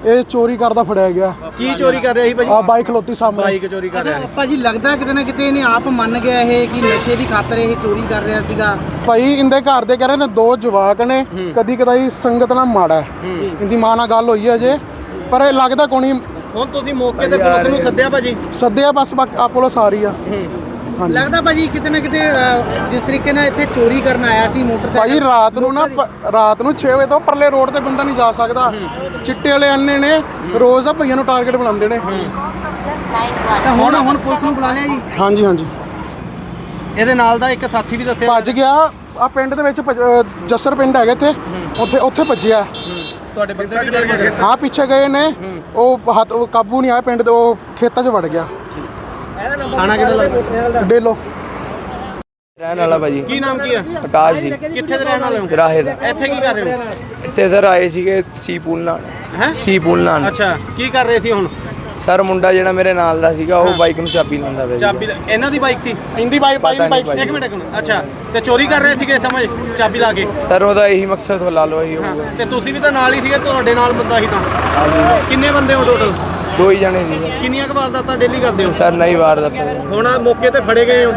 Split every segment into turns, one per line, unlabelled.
ਇਹ ਚੋਰੀ ਕਰਦਾ ਫੜਿਆ ਗਿਆ।
ਕੀ ਚੋਰੀ ਕਰ ਰਿਹਾ ਸੀ ਭਾਜੀ?
ਆ ਬਾਈਕ ਖਲੋਤੀ ਸਾਹਮਣੇ।
ਬਾਈਕ ਚੋਰੀ ਕਰ ਰਿਹਾ ਸੀ
ਭਾਜੀ ਲੱਗਦਾ ਕਿਤੇ ਨਾ ਕਿਤੇ ਇਹਨੇ ਆਪ ਮੰਨ ਗਿਆ ਇਹ ਕਿ ਨਸ਼ੇ ਦੀ ਖਾਤਰ ਇਹ ਚੋਰੀ ਕਰ ਰਿਹਾ ਸੀਗਾ।
ਭਾਈ ਇੰਦੇ ਘਰ ਦੇ ਕਹਿ ਰਹੇ ਨੇ 2 ਜਵਾਕ ਨੇ, ਕਦੀ ਕਦਾਈ ਸੰਗਤ ਨਾਲ ਮਾੜਾ ਹੈ। ਇੰਦੀ ਮਾਂ ਨਾਲ ਗੱਲ ਹੋਈ ਹੈ ਜੇ, ਪਰ ਇਹ ਲੱਗਦਾ ਕੋਣੀ।
ਹੁਣ ਤੁਸੀਂ ਮੌਕੇ ਤੇ ਪੁਲਿਸ ਨੂੰ ਸੱਦਿਆ ਭਾਜੀ?
ਸੱਦਿਆ, ਬਸ ਆ ਪੁਲਿਸ ਆ ਰਹੀ ਆ। ਹਾਂਜੀ
ਲੱਗਦਾ ਭਾਜੀ ਕਿਤੇ ਨਾ ਕਿਤੇ ਜਿਸ ਤਰੀਕੇ ਨਾਲ ਇੱਥੇ ਚੋਰੀ ਕਰਨ ਆਇਆ ਸੀ ਮੋਟਰਸਾਈਕਲ।
ਭਾਈ ਰਾਤ ਨੂੰ 6 ਵਜੇ ਤੋਂ ਪਰਲੇ ਰੋਡ ਤੇ ਬੰਦਾ ਨਹੀਂ ਜਾ ਸਕਦਾ। ਚਿੱਟੇ ਵਾਲੇ ਅੰਨੇ ਨੇ ਰੋਜ਼ ਦਾ ਭਈਆਂ ਨੂੰ ਟਾਰਗੇਟ ਬਣਾਉਂਦੇ ਨੇ।
ਤਾਂ ਹੁਣ ਪੁਲਿਸ ਨੂੰ ਬੁਲਾ ਲਿਆ ਜੀ?
ਹਾਂਜੀ ਹਾਂਜੀ।
ਇਹਦੇ ਨਾਲ ਦਾ ਇੱਕ ਸਾਥੀ ਵੀ ਦੱਸਿਆ
ਭੱਜ ਗਿਆ। ਆ ਪਿੰਡ ਦੇ ਵਿੱਚ ਜੱਸਰ ਪਿੰਡ ਹੈਗਾ ਇੱਥੇ, ਉੱਥੇ ਭੱਜਿਆ।
ਤੁਹਾਡੇ ਬੰਦੇ ਵੀ ਗਏ?
ਹਾਂ ਪਿੱਛੇ ਗਏ ਨੇ। ਉਹ ਕਾਬੂ ਨਹੀਂ ਆਇਆ, ਪਿੰਡ ਦੇ ਉਹ ਖੇਤਾਂ 'ਚ ਵੜ ਗਿਆ।
ਥਾਣਾ ਕਿਹਦਾ ਲੱਗਦਾ?
ਡੇਲੋ
ਰਹਿਣ ਵਾਲਾ ਭਾਜੀ।
ਕੀ ਨਾਮ ਕੀ ਆ?
ਆਕਾਸ਼ ਜੀ।
ਕਿੱਥੇ ਦੇ ਰਹਿਣ ਵਾਲੇ ਹੋ?
ਰਾਹੇ ਦਾ।
ਇੱਥੇ ਕੀ ਕਰ ਰਹੇ ਹੋ?
ਇੱਥੇ ਸਰ ਆਏ ਸੀਗੇ ਸੀ ਪੂਲ ਨਾਲ।
ਹੈਂ?
ਸੀ ਪੂਲ ਨਾਲ।
ਅੱਛਾ, ਕੀ ਕਰ ਰਹੇ ਸੀ ਹੁਣ?
ਸਰ ਮੁੰਡਾ ਜਿਹੜਾ ਮੇਰੇ ਨਾਲ ਦਾ ਸੀਗਾ ਉਹ ਬਾਈਕ ਨੂੰ ਚਾਬੀ ਲਾਉਂਦਾ ਪਿਆ ਸੀ।
ਚਾਬੀ ਇਹਨਾਂ ਦੀ ਬਾਈਕ ਸੀ?
ਇੰਦੀ ਬਾਈਕ
ਪਤਾ ਨਹੀਂ ਭਾਈ।
ਇੱਕ ਮਿੰਟ ਅੱਛਾ, ਤੇ ਚੋਰੀ ਕਰ ਰਹੇ ਸੀਗੇ ਸਮਝ ਚਾਬੀ ਲਾ ਕੇ?
ਸਰ ਉਹਦਾ ਇਹੀ ਮਕਸਦ ਹੋ ਲਾ ਲਓ ਇਹੀ ਹੋਊਗਾ।
ਤੇ ਤੁਸੀਂ ਵੀ ਤਾਂ ਨਾਲ ਹੀ ਸੀਗੇ, ਤੁਹਾਡੇ ਨਾਲ ਬੰਦਾ ਸੀ ਤਾਂ? ਕਿੰਨੇ ਬੰਦੇ ਹੋ ਟੋਟਲ?
2 ਹੀ ਜਣੇ ਸੀ।
ਕਿੰਨੀਆਂ ਕੁ ਵਾਰਦਾਤਾਂ ਡੇਲੀ ਕਰਦੇ ਹੋ?
ਸਰ ਨਹੀਂ ਵਾਰਦਾਤ।
ਹੁਣ ਆਹ ਮੌਕੇ ਤੇ ਫੜੇ ਗਏ ਹੋ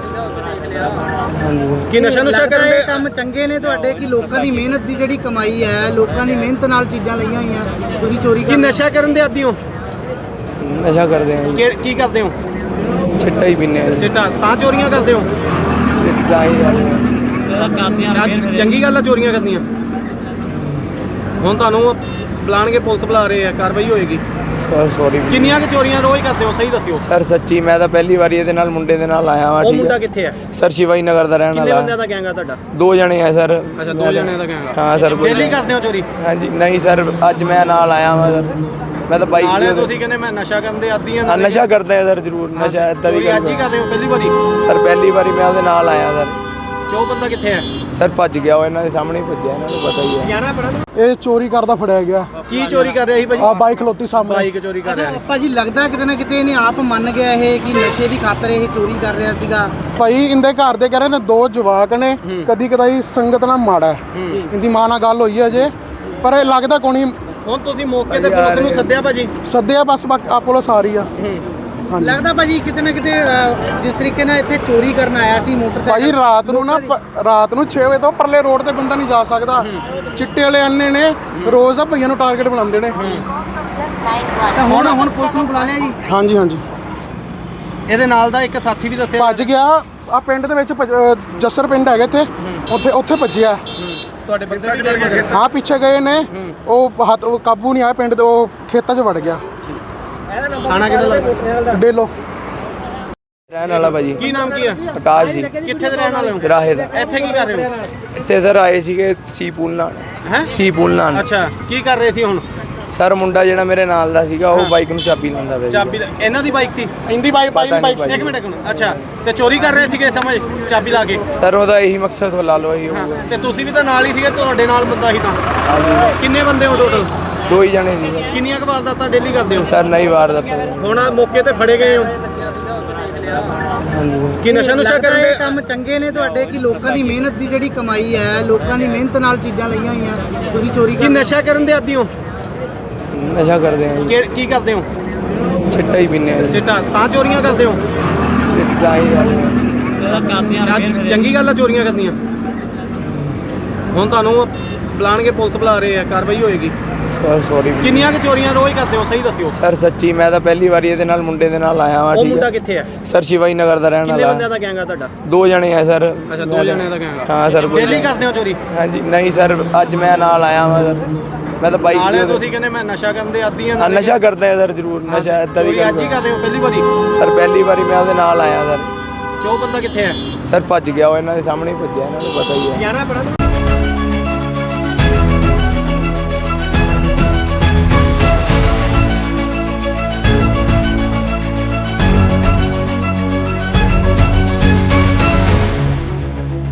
ਕਿ ਨਸ਼ਾ ਕਰਨ ਦੇ
ਕੰਮ ਚੰਗੇ ਨੇ ਤੁਹਾਡੇ ਕਿ ਲੋਕਾਂ ਦੀ ਮਿਹਨਤ ਦੀ ਜਿਹੜੀ ਕਮਾਈ ਹੈ, ਲੋਕਾਂ ਦੀ ਮਿਹਨਤ ਨਾਲ ਚੀਜ਼ਾਂ ਲਈਆਂ ਹੋਈਆਂ, ਤੁਸੀਂ ਚੋਰੀ
ਕਿ ਨਸ਼ਾ ਕਰਨ ਦੇ ਆਦੀ ਹੋ?
ਨਸ਼ਾ ਕਰਦੇ ਆ ਜੀ।
ਕੀ ਕਰਦੇ ਹੋ?
ਚਿੱਟਾ ਹੀ ਪੀਂਦੇ ਆ ਜੀ।
ਚਿੱਟਾ ਤਾਂ ਚੋਰੀਆਂ ਕਰਦੇ ਹੋ?
ਤਾਂ ਹੀ ਗੱਲ ਹੈ।
ਚੰਗੀ ਗੱਲ ਆ ਚੋਰੀਆਂ ਕਰਨੀਆਂ। ਹੁਣ ਤੁਹਾਨੂੰ ਬੁਲਾਣਗੇ, ਪੁਲਿਸ ਬੁਲਾ ਰਹੇ ਆ, ਕਾਰਵਾਈ ਹੋਏਗੀ।
Sir sorry.
ਕਿੰਨੀਆਂ ਕੁ ਚੋਰੀਆਂ ਰੋਜ਼ ਕਰਦੇ ਹੋ ਸਹੀ ਦੱਸਿਓ?
ਸਰ ਸੱਚੀ ਮੈਂ ਤਾਂ ਪਹਿਲੀ ਵਾਰੀ ਇਹਦੇ ਨਾਲ ਮੁੰਡੇ ਦੇ ਨਾਲ ਆਇਆ ਵਾਂ।
ਉਹ
ਠੀਕ
ਮੁੰਡਾ
ਹੈ
ਕਿੱਥੇ ਆ?
ਸਰ ਸ਼ਿਵਾਈ ਨਗਰ ਦਾ ਰਹਿਣ
ਕਿੰਨੇ
ਵਾਲਾ।
ਬੰਦਿਆਂ ਦਾ ਗੈਂਗ ਆ ਤੁਹਾਡਾ?
2 ਜਣੇ ਆ ਸਰ।
ਅੱਛਾ, 2 ਜਣਿਆਂ ਦਾ ਗੈਂਗ ਆ।
ਹਾਂ ਸਰ।
ਡੇਲੀ ਕਰਦੇ ਹੋ ਚੋਰੀ?
ਹਾਂਜੀ ਨਹੀਂ ਸਰ, ਅੱਜ ਮੈਂ ਨਾਲ ਆਇਆ ਵਾਂ ਸਰ। ਮੈਂ ਤਾਂ ਬਾਈਕ
ਨਾਲੇ ਤੁਸੀਂ ਕਹਿੰਦੇ ਮੈਂ ਨਸ਼ਾ ਕਰਨ ਦੇ ਆਦੀ ਆ।
ਨਸ਼ਾ ਕਰਦੇ ਆ ਸਰ ਜ਼ਰੂਰ। ਨਸ਼ਾ ਇਦਾਂ ਦੀ
ਅੱਜ ਹੀ ਕਰ ਰਹੇ ਹੋ ਪਹਿਲੀ ਵਾਰੀ?
ਸਰ ਪਹਿਲੀ ਵਾਰੀ ਮੈਂ ਉਹਦੇ ਨਾਲ ਆਇਆ ਸਰ।
ਕਿਉਂ ਬੰਦਾ ਕਿੱਥੇ ਹੈ?
ਸਰ ਭੱਜ ਗਿਆ, ਉਹ ਇਹਨਾਂ ਦੇ ਸਾਹਮਣੇ ਹੀ ਭੱਜਿਆ, ਇਹਨਾਂ ਨੂੰ ਪਤਾ ਹੀ ਹੈ।
ਇਹ ਚੋਰੀ ਕਰਦਾ ਫੜਿਆ ਗਿਆ।
ਕੀ ਚੋਰੀ ਕਰ ਰਿਹਾ ਸੀ ਭਾਜੀ?
ਆ ਬਾਈਕ ਖਲੋਤੀ ਸਾਹਮਣੇ।
ਬਾਈਕ ਚੋਰੀ ਕਰ ਰਿਹਾ ਸੀ।
ਭਾਜੀ ਲੱਗਦਾ ਕਿਤੇ ਨਾ ਕਿਤੇ ਇਹਨੇ ਆਪ ਮੰਨ ਗਿਆ ਇਹ ਕਿ ਨਸ਼ੇ ਦੀ ਖਾਤਰ ਇਹ ਚੋਰੀ ਕਰ ਰਿਹਾ ਸੀਗਾ।
ਭਾਈ ਇੰਦੇ ਘਰ ਦੇ ਕਹਿ ਰਹੇ ਨੇ 2 ਜਵਾਕ ਨੇ, ਕਦੀ ਕਦਾਈ ਸੰਗਤ ਨਾਲ ਮਾੜਾ ਹੈ। ਇੰਦੀ ਮਾਂ ਨਾਲ ਗੱਲ ਹੋਈ ਹੈ ਜੇ, ਪਰ ਇਹ ਲੱਗਦਾ ਕੋਣੀ।
ਹੁਣ ਤੁਸੀਂ ਮੌਕੇ ਤੇ ਪੁਲਿਸ ਨੂੰ ਸੱਦਿਆ ਭਾਜੀ?
ਸੱਦਿਆ, ਬਸ ਆ ਪੁਲਿਸ ਆ ਰਹੀ ਆ। ਹਾਂਜੀ
ਲੱਗਦਾ ਭਾਜੀ ਕਿਤੇ ਨਾ ਕਿਤੇ ਜਿਸ ਤਰੀਕੇ ਨਾਲ ਇੱਥੇ ਚੋਰੀ ਕਰਨ ਆਇਆ ਸੀ ਮੋਟਰਸਾਈਕਲ।
ਭਾਈ ਰਾਤ ਨੂੰ 6 ਵਜੇ ਤੋਂ ਪਰਲੇ ਰੋਡ ਤੇ ਬੰਦਾ ਨਹੀਂ ਜਾ ਸਕਦਾ। ਚਿੱਟੇ ਵਾਲੇ ਅੰਨੇ ਨੇ ਰੋਜ਼ ਦਾ ਭਈਆਂ ਨੂੰ ਟਾਰਗੇਟ ਬਣਾਉਂਦੇ ਨੇ।
ਤਾਂ ਹੁਣ ਪੁਲਿਸ ਨੂੰ ਬੁਲਾ ਲਿਆ ਜੀ?
ਹਾਂਜੀ ਹਾਂਜੀ।
ਇਹਦੇ ਨਾਲ ਦਾ ਇੱਕ ਸਾਥੀ ਵੀ ਦੱਸਿਆ?
ਭੱਜ ਗਿਆ। ਆ ਪਿੰਡ ਦੇ ਵਿੱਚ ਜੱਸਰ ਪਿੰਡ ਹੈਗਾ ਇੱਥੇ, ਉੱਥੇ ਭੱਜਿਆ।
ਤੁਹਾਡੇ ਬੰਦੇ ਵੀ ਗਏ?
ਹਾਂ ਪਿੱਛੇ ਗਏ ਨੇ। ਉਹ ਕਾਬੂ ਨਹੀਂ ਆਇਆ, ਪਿੰਡ ਦੇ ਉਹ ਖੇਤਾਂ 'ਚ ਵੜ ਗਿਆ।
ਥਾਣਾ ਕਿਹਦਾ ਲੱਗਦਾ?
ਡੇਲੋ
ਰਹਿਣ ਵਾਲਾ ਭਾਜੀ।
ਕੀ ਨਾਮ ਕੀ ਆ?
ਆਕਾਸ਼ ਜੀ।
ਕਿੱਥੇ ਦੇ ਰਹਿਣ ਵਾਲੇ ਹੋ?
ਰਾਹੇ ਦਾ।
ਇੱਥੇ ਕੀ ਕਰ ਰਹੇ ਹੋ?
ਇੱਥੇ ਸਰ ਆਏ ਸੀਗੇ ਸੀ ਪੂਲ ਨਾਲ।
ਹੈਂ?
ਸੀ ਪੂਲ ਨਾਲ।
ਅੱਛਾ, ਕੀ ਕਰ ਰਹੇ ਸੀ ਹੁਣ?
ਸਰ ਮੁੰਡਾ ਜਿਹੜਾ ਮੇਰੇ ਨਾਲ ਦਾ ਸੀਗਾ ਉਹ ਬਾਈਕ ਨੂੰ ਚਾਬੀ ਲਾਉਂਦਾ ਪਿਆ ਸੀ।
ਚਾਬੀ ਇਹਨਾਂ ਦੀ ਬਾਈਕ ਸੀ?
ਇੰਦੀ ਬਾਈਕ
ਪਤਾ ਨਹੀਂ ਭਾਈ।
ਇੱਕ ਮਿੰਟ ਅੱਛਾ, ਤੇ ਚੋਰੀ ਕਰ ਰਹੇ ਸੀਗੇ ਸਮਝ ਚਾਬੀ ਲਾ ਕੇ?
ਸਰ ਉਹਦਾ ਇਹੀ ਮਕਸਦ ਹੋ ਲਾ ਲਓ ਇਹੀ ਹੋਊਗਾ।
ਤੇ ਤੁਸੀਂ ਵੀ ਤਾਂ ਨਾਲ ਹੀ ਸੀਗੇ, ਤੁਹਾਡੇ ਨਾਲ ਬੰਦਾ ਸੀ ਤਾਂ? ਕਿੰਨੇ ਬੰਦੇ ਹੋ ਟੋਟਲ?
2 ਹੀ ਜਣੇ ਸੀ।
ਕਿੰਨੀਆਂ ਕੁ ਵਾਰਦਾਤਾਂ ਡੇਲੀ ਕਰਦੇ ਹੋ?
ਸਰ ਨਹੀਂ ਵਾਰਦਾਤ।
ਹੁਣ ਆਹ ਮੌਕੇ ਤੇ ਫੜੇ ਗਏ ਹੋ ਕਿ ਨਸ਼ਾ ਕਰਨ ਦੇ
ਕੰਮ ਚੰਗੇ ਨੇ ਤੁਹਾਡੇ ਕਿ ਲੋਕਾਂ ਦੀ ਮਿਹਨਤ ਦੀ ਜਿਹੜੀ ਕਮਾਈ ਹੈ, ਲੋਕਾਂ ਦੀ ਮਿਹਨਤ ਨਾਲ ਚੀਜ਼ਾਂ ਲਈਆਂ ਹੋਈਆਂ, ਤੁਸੀਂ ਚੋਰੀ
ਕਿ ਨਸ਼ਾ ਕਰਨ ਦੇ ਆਦੀ ਹੋ?
ਨਸ਼ਾ ਕਰਦੇ ਆ ਜੀ।
ਕੀ ਕਰਦੇ ਹੋ?
ਚਿੱਟਾ ਹੀ ਪੀਂਦੇ ਆ ਜੀ।
ਚਿੱਟਾ ਤਾਂ ਚੋਰੀਆਂ ਕਰਦੇ ਹੋ?
ਤਾਂ ਹੀ ਗੱਲ ਹੈ।
ਚੰਗੀ ਗੱਲ ਆ ਚੋਰੀਆਂ ਕਰਨੀਆਂ। ਹੁਣ ਤੁਹਾਨੂੰ ਬੁਲਾਣਗੇ, ਪੁਲਿਸ ਬੁਲਾ ਰਹੇ ਆ, ਕਾਰਵਾਈ ਹੋਏਗੀ।
Sir sorry.
ਕਿੰਨੀਆਂ ਕੁ ਚੋਰੀਆਂ ਰੋਜ਼ ਕਰਦੇ ਹੋ ਸਹੀ ਦੱਸਿਓ?
ਸਰ ਸੱਚੀ ਮੈਂ ਤਾਂ ਪਹਿਲੀ ਵਾਰੀ ਇਹਦੇ ਨਾਲ ਮੁੰਡੇ ਦੇ ਨਾਲ ਆਇਆ ਵਾਂ।
ਉਹ
ਠੀਕ
ਮੁੰਡਾ
ਹੈ
ਕਿੱਥੇ ਆ?
ਸਰ ਸ਼ਿਵਾਈ ਨਗਰ ਦਾ ਰਹਿਣ
ਕਿੰਨੇ
ਵਾਲਾ।
ਬੰਦਿਆਂ ਦਾ ਗੈਂਗ ਆ ਤੁਹਾਡਾ?
2 ਜਣੇ ਆ ਸਰ।
ਅੱਛਾ, 2 ਜਣਿਆਂ ਦਾ ਗੈਂਗ ਆ।
ਹਾਂ ਸਰ।
ਡੇਲੀ ਕਰਦੇ ਹੋ ਚੋਰੀ?
ਹਾਂਜੀ ਨਹੀਂ ਸਰ, ਅੱਜ ਮੈਂ ਨਾਲ ਆਇਆ ਵਾਂ ਸਰ। ਮੈਂ ਤਾਂ ਬਾਈਕ
ਨਾਲੇ ਤੁਸੀਂ ਕਹਿੰਦੇ ਮੈਂ ਨਸ਼ਾ ਕਰਨ ਦੇ ਆਦੀ ਆ।
ਨਸ਼ਾ ਕਰਦੇ ਆ ਸਰ ਜ਼ਰੂਰ। ਨਸ਼ਾ ਇਦਾਂ ਦੀ
ਅੱਜ ਹੀ ਕਰ ਰਹੇ ਹੋ ਪਹਿਲੀ ਵਾਰੀ?
ਸਰ ਪਹਿਲੀ ਵਾਰੀ ਮੈਂ ਉਹਦੇ ਨਾਲ ਆਇਆ ਸਰ।
ਕਿਉਂ ਬੰਦਾ ਕਿੱਥੇ ਹੈ?
ਸਰ ਭੱਜ ਗਿਆ, ਉਹ ਇਹਨਾਂ ਦੇ ਸਾਹਮਣੇ ਹੀ ਭੱਜਿਆ, ਇਹਨਾਂ ਨੂੰ ਪਤਾ ਹੀ ਹੈ।